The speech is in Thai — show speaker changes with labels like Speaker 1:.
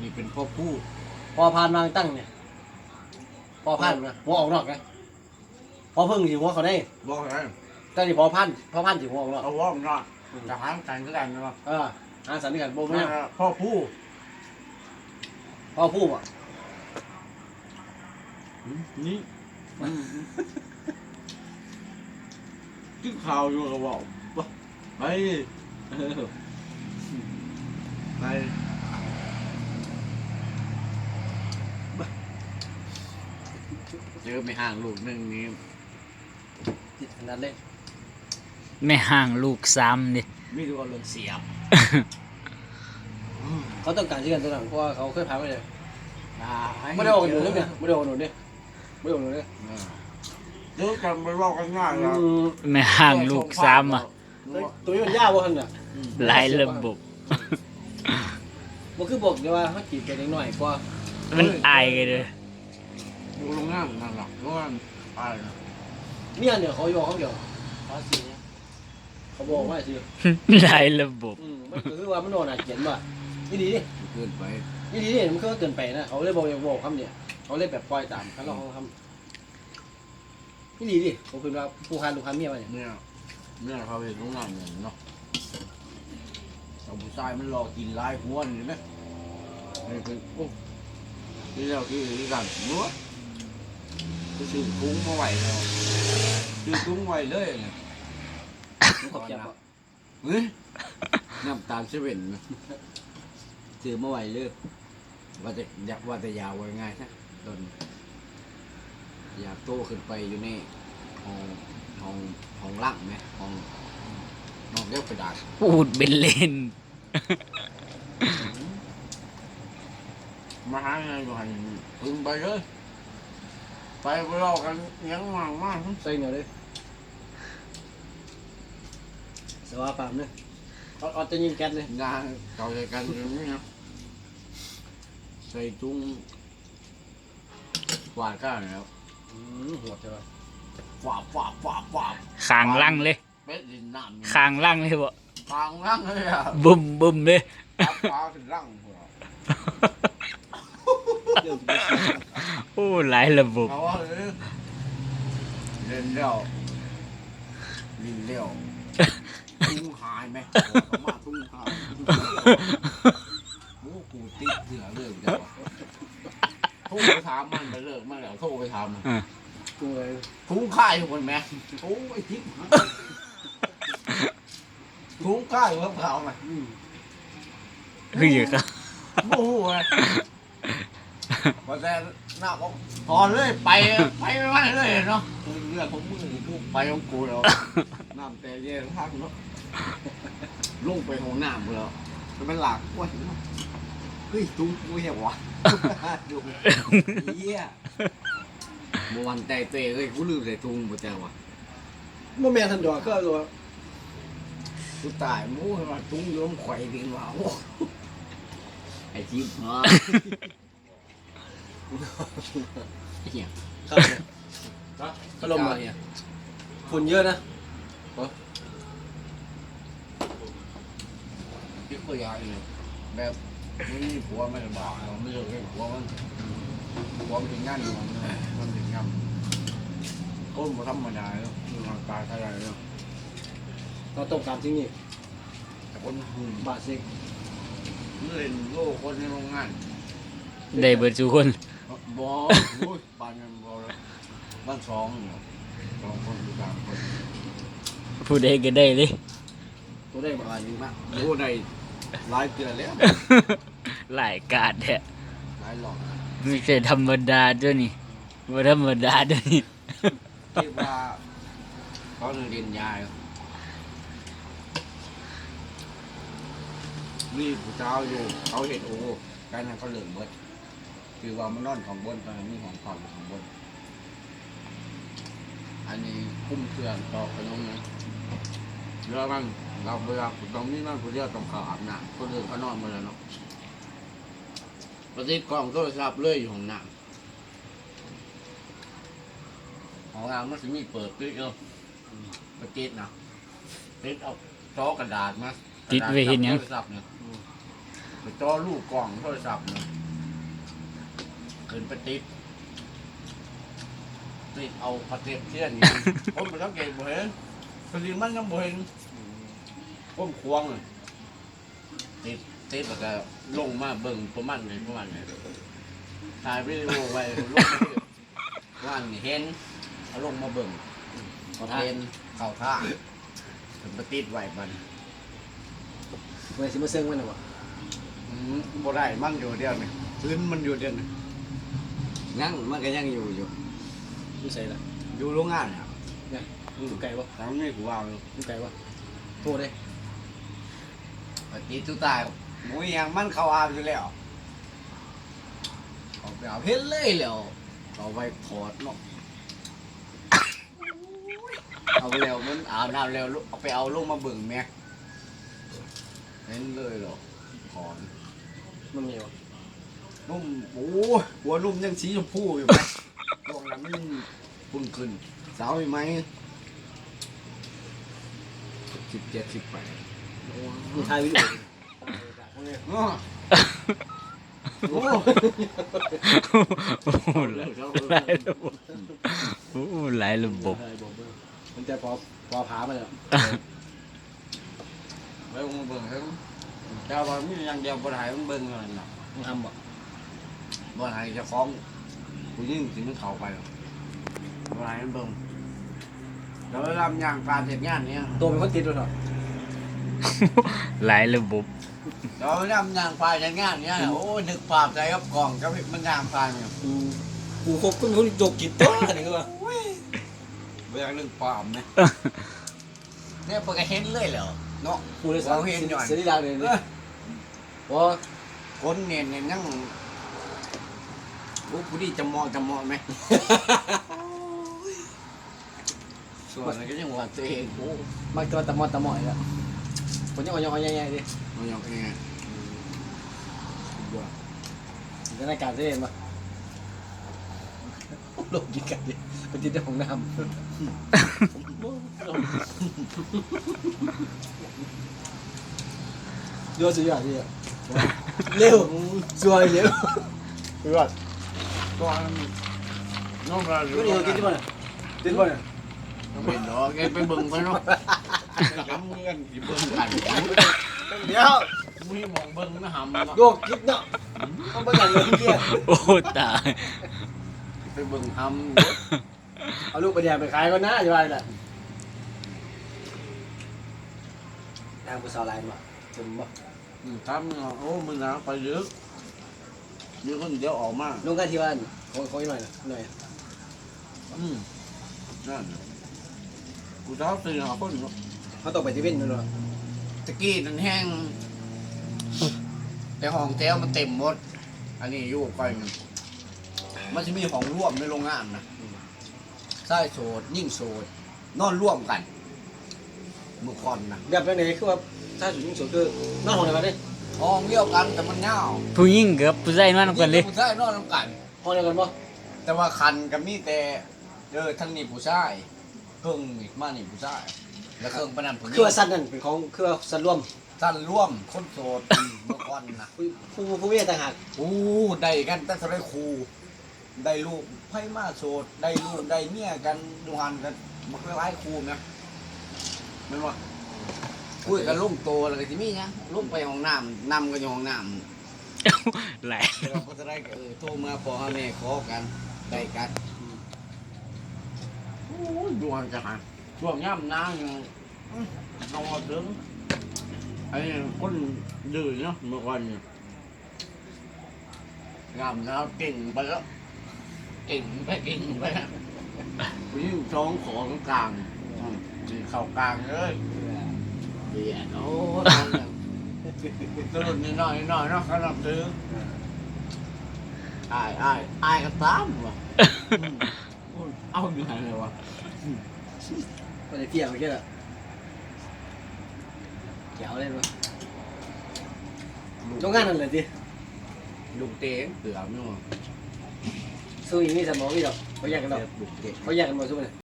Speaker 1: นี่เป็นพ่อผู้
Speaker 2: พอพานวางตั้งเนี่ยพอพานนะหัวออกนอกนะพอพึ่งสิหัวเขาได้
Speaker 1: บอกอะไร
Speaker 2: แต่นี่พอพานสิหัวออกนอก
Speaker 1: เอาว่องนอนจะหางกันก็ได้เนาะ
Speaker 2: หาสันนิษฐานโบไม่
Speaker 1: พ่อผู้
Speaker 2: พอพูดอ่ะ
Speaker 1: นี่กินข้าวอยู่ก็บอกไปไปเจอไม่ห่างลูกนึงนี้
Speaker 2: จิตขนาดเล่น
Speaker 3: ไม่ห่างลูกซ้ำดิ
Speaker 1: มีตัวเรื่องเสียบ
Speaker 2: เขาต้องการที่กันตัวนั้นเพราะว่าเขาเคยพาไปเลยไม่ได้ออกกันหนุนเลยเนี่ยไม่ได้ออกกันหนุนเนี่ยไม่ได้ออกกันหนุนเนี่ย
Speaker 1: เดี๋ยวกันไปบอกกันง่ายแล้ว
Speaker 3: ไม่ห่างลูกซ้ำอ่ะ
Speaker 2: ตัวนี้มันยากวะท่านเนี่ย
Speaker 3: หลายระบบ
Speaker 2: มันคือบอกเดี๋ยวว่าเขาจีบกันหน่อยกว่า
Speaker 3: มันอายกันเลย
Speaker 1: ดูโรงงานนั่นหรอกโรงงานไปนะ
Speaker 2: เนี่ยเนี่ยเขาอยู่เขาเดียวเขาบอกว่าสิ
Speaker 3: หลายระบบ
Speaker 2: มันคือว่ามันโดนอาเขียนว่านี่ดีดิ
Speaker 1: เกินไป
Speaker 2: นี่ดีดิมันก็เกินไปนะเขาเลยบอกคำเนี่ยเขาเลยแบบปล่อยตามเขาลองทำนี่ดีดิเขาคือว่าผู้ค้าลูกค้าเมียมาเนี่ย
Speaker 1: เนี่ยเขาเป็นโรงงานเนี่ยเนาะเอาผู้ชายมันรอกินลายหัวนี่ไหมนี่เป็นโอ้ที่เราที่กันนัวก็ซื้อคุ้งมาไหวแล้วซื้อคุ้งไหวเลยเนี่ย
Speaker 2: มันขอบใจป่ะ
Speaker 1: เฮ้ยน้ำตาลเซเว่นนะซื้อมาไหวเลยว่าจะอยากว่าแต่ยาวไว้ง่ายนะตอนอยากโตขึ้นไปอยู่ในห้องล่างไหมห้องเรียกกระดาษ
Speaker 3: พูดเป็นเล่น
Speaker 1: มาหาไงอยู่หันพึ่งไปเลยไปรอกันยังมากมาก
Speaker 2: ใส่เนี่ยเลยสว่าปามเนี่ยเอาจะยิงแก๊สเลย
Speaker 1: งานเก่าใจกันอย่างนี้นะใส่จุ้งกวาดก้านแล้ว
Speaker 2: หัวใช่ป่ะ
Speaker 1: ฝาบ
Speaker 3: คางลั่งเลย
Speaker 1: เป็ดดินน้ำ
Speaker 3: คางลั่งเลยบ่
Speaker 1: ฟางล่างเลยอ่ะ
Speaker 3: บุ่มบุ่มเลย
Speaker 1: ฟ้าถึงล่างหัว
Speaker 3: โอ้หลายระบบ
Speaker 1: เอาว่าเลยเล่นเลี้ยวลินเลี้ยวตุ้งหายไหมมาตุ้งหายโอ้กูติดเสือเลิกจังโทรไปถามมันไปเลิกมันแล้วโทรไปถามมัน
Speaker 2: กูเลย
Speaker 1: ทุ่งค่ายอยู่คนแม่โอ้ยทิพย์ทุ่งค่ายอยู่กับเขาไหม
Speaker 3: คืออยู่ครับ
Speaker 1: โอ้โหพอแต่หน้าบอกพอเลยไปไม่เลยเนาะเรื่องของมึงกูไปของกูแล้วน้ำแต่เย็นพักเนาะลงไปห้องน้ำแล้วจะเป็นหลักว่าเฮ้ยตุ้งกูเหี้ยวะดูเหี้ยเมื่อวันแต่เตะเลยกูลืมใส่ตุ้งบ่แต่วะ
Speaker 2: โมเมนต์ทันดอกก็ตัว
Speaker 1: กูตายมู้ให้มาตุ้งโยมไข่ดินว่าโอ้ไอ้จิ๊บฮะเหี้ย
Speaker 2: ครับพัดลมมาเนี่ยฝุ่นเยอะนะ
Speaker 1: จิ๊บก็ยาเลยแบบไม่มีผัวไม่ลำบากเราไม่เลิกให้ผัวมันถึงงานอยู่มันถึงงานก้นมาธรรมดาแล้วร่างกายอะไรแล้ว
Speaker 2: เราต้องการที่นี่
Speaker 1: คนหุ่น
Speaker 2: บาทซิก
Speaker 1: เล่นโลกคนในโรงงาน
Speaker 3: ได้เบิดทุกคน
Speaker 1: บอลปานกันบอลบ้านสองคนอยู่3 คน
Speaker 3: ผู้ใดก็ได้เลย
Speaker 2: ตัวได้
Speaker 1: ป
Speaker 2: บา
Speaker 1: ระ
Speaker 2: ท
Speaker 1: มาณนี้มากโอ้ได้หลายเดือนแล้ว
Speaker 3: หลายกาดแท้
Speaker 1: หลายหลอก
Speaker 3: ไม่ใช่ธรรมดาด้วยนี่บ่ธรรมดาด้วยนี่
Speaker 1: คิดว่าเขาเรียนยานี่ผู้เจ้าอยู่เขาเห็นโอ้การนั้นเขาเหลืองเบิดคือว่ามันนอนของบนตอนนี้มีของเก่าอยู่ของบนอันนี้คุ้มเครื่องต่อขนมนะเรือมันเราเวลาตรงนี้นั่นผู้เดียวต้องเขาอาบน้ำคนอื่นเขานอนหมาแล้วเนาะประสิทธิ์กล้องโทรศัพท์เลยอยู่ห้องน้ำห้องน้ำมันจะมีเปิดปิดเนาะประติดนะติดเอาซอกระดาษมา
Speaker 3: ติดไว้เห็นหยัง
Speaker 1: โทรศัพท์เนี่ยไปจ่อลูกกล่องโทรศัพท์นะขึ้นไปติดเอาพาเทปเทียนนี่ ผมไปสังเกตบ่เห็นพอดีมันยังบ่เห็นผมควงเลยติดแล้วก็ลงมาเบิ่งประมาณนี้ถ่ายวิดีโอไว้ลงมาว่านี่เห็นเอาลงมาเบิ่งเห็นเข้าท่าถึงไปติดไว้มัน
Speaker 2: เมื่อสิมาเซิงมันหรอวะ
Speaker 1: บ่ได้มันอยู่เดียวนี่พื้นมันอยู่เดียวนี่ยังมันก็ยังอยู่
Speaker 2: อยู่ใส่ละ
Speaker 1: อยู่โรงงานเนี่ย
Speaker 2: เนี่ยอยู่ไกลวะ
Speaker 1: ทางนี้กูว่าอยู่
Speaker 2: อยู่ไกลวะโทษเลย
Speaker 1: ปฏิทุตายหมูยังมันเข้าอาบอยู่แล้วเอาไปเอาเห็นเลยแล้วเอาไปถอดเนาะเอาไปแล้วมันอาบน้ำแล้วเอาไปเอาลงมาเบิ่งแม็กเห็นเลยเหรอถอน
Speaker 2: มันมีวะ
Speaker 1: นุ่มโอ้หัวนุ่มยังสีชมพูอยู่ไหมดวงนั้นมันพุ่งขึ้นสาวไหม17-18
Speaker 2: มีถ่ายวิดีโอ
Speaker 1: โอ้
Speaker 3: โอ้โหหลายระบบโอ้หลายระบบ
Speaker 2: มันจะพอผามาแล้ว
Speaker 1: ไปลงมาเบิ่งครับเจ้าว่ามีอย่างเดียวบ่ได้มันเบิ่งเท่านั้นน่ะ
Speaker 2: มึงทำบ่
Speaker 1: บ่ได้จะฟ้องผู้หญิงสิมันเข้าไปหรอกบ่ได้มันเบิ่งแล้วเวลามันย่างการเฮ็ดงานเนี่ย
Speaker 2: ตัวเป็นคนติดด้วยเหรอ
Speaker 3: หลายระบบ
Speaker 1: แล้วเวลามันย่างการเฮ็ดงานเนี่ยโอ้ยนึกภาพใจกับกล่องกับมันย่างการเนี่ย
Speaker 2: กูคบกับคนจกกีตาร์นี่ก็ว่า
Speaker 1: บ่อยากนึกภาพไหมเนี่ยเพิ่นก็เห็นเลยแล้วเนาะ
Speaker 2: กูเลยสั่งเสียดีดังเลยเนี่ยพอ
Speaker 1: คนเนี่ยยังผู้ดีจะมองไหม ส่วนอะไรก็ยังว่าตัวเองโอ้
Speaker 2: มักตัวตะมอดแล้วคนยังอ่อนๆใหญ่ๆดิ
Speaker 1: มันยังไง
Speaker 2: จะในการเล่นปะลงกินกันดิเป็นที่เจ้าของน้ำโยนสุดยอดดิเร็วสวยเร็วสุดยอด
Speaker 1: ก็น้องเรา
Speaker 2: ก็นี่กินที่บ้านกินที่บ้าน
Speaker 1: เป็นดอกแกไปเบิ่งไปเนาะกำเงินที่เบิ่งกัน
Speaker 2: เดี๋ยว
Speaker 1: มีมองเบิ่งนะหำเนาะ
Speaker 2: โยกคิดเนาะต้องไปอย่างเงี้ยเกี้ย
Speaker 3: โอ้ตาย
Speaker 1: ไปเบิ่งห
Speaker 2: เอาลูกไปแดงไปขายก็น่าจะไปแหละทางผู้สาวไลน์มาถึงบ่
Speaker 1: ำทำเนาะโอ้มึงนะไปเยอะมีคนเดียวออกมา
Speaker 2: ลงกันที่บ้านขออีกหน่อยนะหน่อย
Speaker 1: นั่นกูชอบซื้อหาคนเนาะ
Speaker 2: เขาต้องไปที่เว้นนู่นเนาะ
Speaker 1: ตะกี้นั่นแห้งแต่ห้องแถวมันเต็มหมด อันนี้อยู่ไปมันจะมีของร่วมในโรงงานนะใต้โสดยิ่งโสดนอนร่วมกันเมื่อก่อนนะ
Speaker 2: แบบไหนคือว่าถ้าสุดยิ่งสุดคือนอนห้องไหนมาดิ
Speaker 1: ห้องเดียวกันแต่มันเงา
Speaker 3: ผู้หญิงกับผู้ชายนอนกันเลย
Speaker 1: ผู้ชายนอนร่วมกัน
Speaker 2: ห้องเดียวกันปะ
Speaker 1: แต่ว่าคันกับมีแต่ทั้งนี้ผู้ชายเครื่องนี่มานี่ผู้ชายแล้วเครื่องปนันผู้หญิ
Speaker 2: คือว่าสั้นนั่นเป็นของคือว่าสั้นร่วม
Speaker 1: สั้นร่วมคนโสดเมื่อก่อนนะ
Speaker 2: ผู้เมียต่างหาก
Speaker 1: อู้ได้กันแต่สมัยครูได้ลูกไพ่มาโสดได้ลูกได้เมียกันดูหันกันมันคล้ายๆครูนะไม่ว่าคุยกันลุ่มโตแล้วก็จะมีนะลุ่มไปห้องน้ำนำกันอยู่ห้องน้ำ
Speaker 3: หลาย
Speaker 1: เราก็จะได้โทรมาพอแม่ขอกันได้กันโอ้ยดวงจะหาช่วงย่ำน้ำยังนอนถึงไอ้คนดื้อเนาะเมื่อวันเนี่ยย่ำน้ำเก่งไปแล้วเก่งไปผู้หญิงท้องขอกลางจีเข่ากลางเลยเบียดโอ้ตื่นนิดหน่อยเนาะขนาดซื้ออายก็ตามว่ะเอาอยู่ไหนเลยวะ
Speaker 2: ก็จะเที่ยวไปแค่ละเกี่ยวเลยปะโรงงานนั่นแหละดิ
Speaker 1: ลูกเต๋งเสือมเนาะ
Speaker 2: สู้อย่างนี้สมองนี่หรอกเขาแยกกันหรอก
Speaker 1: ลูกเต๋ง
Speaker 2: เขาแยกกันหมดสู้เลย